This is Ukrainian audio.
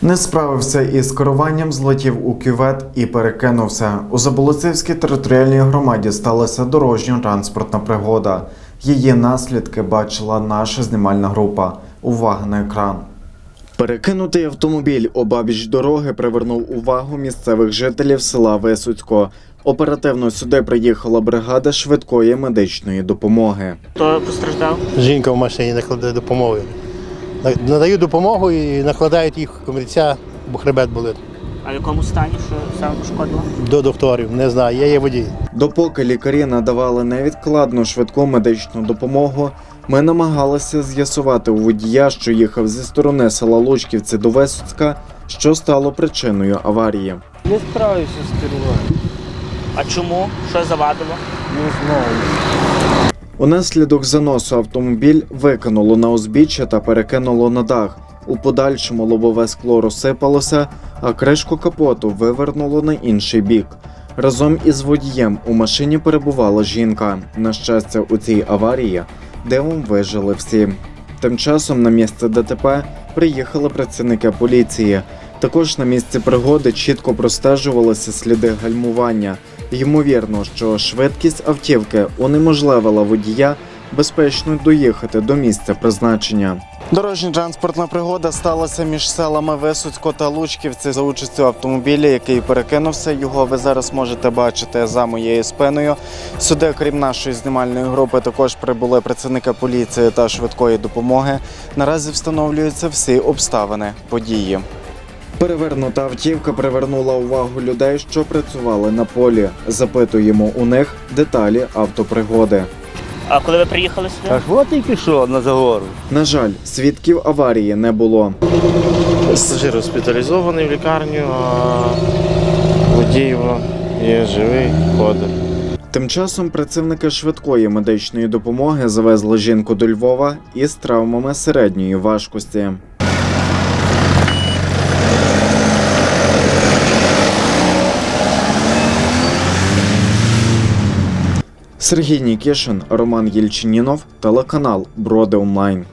Не справився із керуванням, злетів у кювет і перекинувся. У Заболоцівській територіальній громаді сталася дорожньо-транспортна пригода. Її наслідки бачила наша знімальна група. Увага на екран. Перекинутий автомобіль обабіч дороги привернув увагу місцевих жителів села Висоцько. Оперативно сюди приїхала бригада швидкої медичної допомоги. Хто постраждав? Жінка в машині накладає допомогу. Надають допомогу і накладають їх комірця, бо хребет болить. А в якому стані, що саме пошкодило? До докторів, не знаю, я є водій. Допоки лікарі надавали невідкладну швидку медичну допомогу, ми намагалися з'ясувати у водія, що їхав зі сторони села Лучківці до Висоцька, що стало причиною аварії. Не справився з керуванням. А чому? Що завадило? Не знаю. Унаслідок заносу автомобіль викинуло на узбіччя та перекинуло на дах. У подальшому лобове скло розсипалося, а кришку капоту вивернуло на інший бік. Разом із водієм у машині перебувала жінка. На щастя, у цій аварії дивом вижили всі. Тим часом на місце ДТП приїхали працівники поліції. Також на місці пригоди чітко простежувалися сліди гальмування. Ймовірно, що швидкість автівки унеможливила водія безпечно доїхати до місця призначення. Дорожньо-транспортна пригода сталася між селами Висоцько та Лучківці за участю автомобіля, який перекинувся. Його ви зараз можете бачити за моєю спиною. Сюди, крім нашої знімальної групи, також прибули працівники поліції та швидкої допомоги. Наразі встановлюються всі обставини події. Перевернута автівка привернула увагу людей, що працювали на полі. Запитуємо у них деталі автопригоди. А коли ви приїхали сюди? Так от тільки що на загору. На жаль, свідків аварії не було. Пасажир госпіталізований в лікарню, а водій є живий, ходить. Тим часом працівники швидкої медичної допомоги завезли жінку до Львова із травмами середньої важкості. Сергій Нікішин, Роман Єльчинінов, телеканал Броди Онлайн.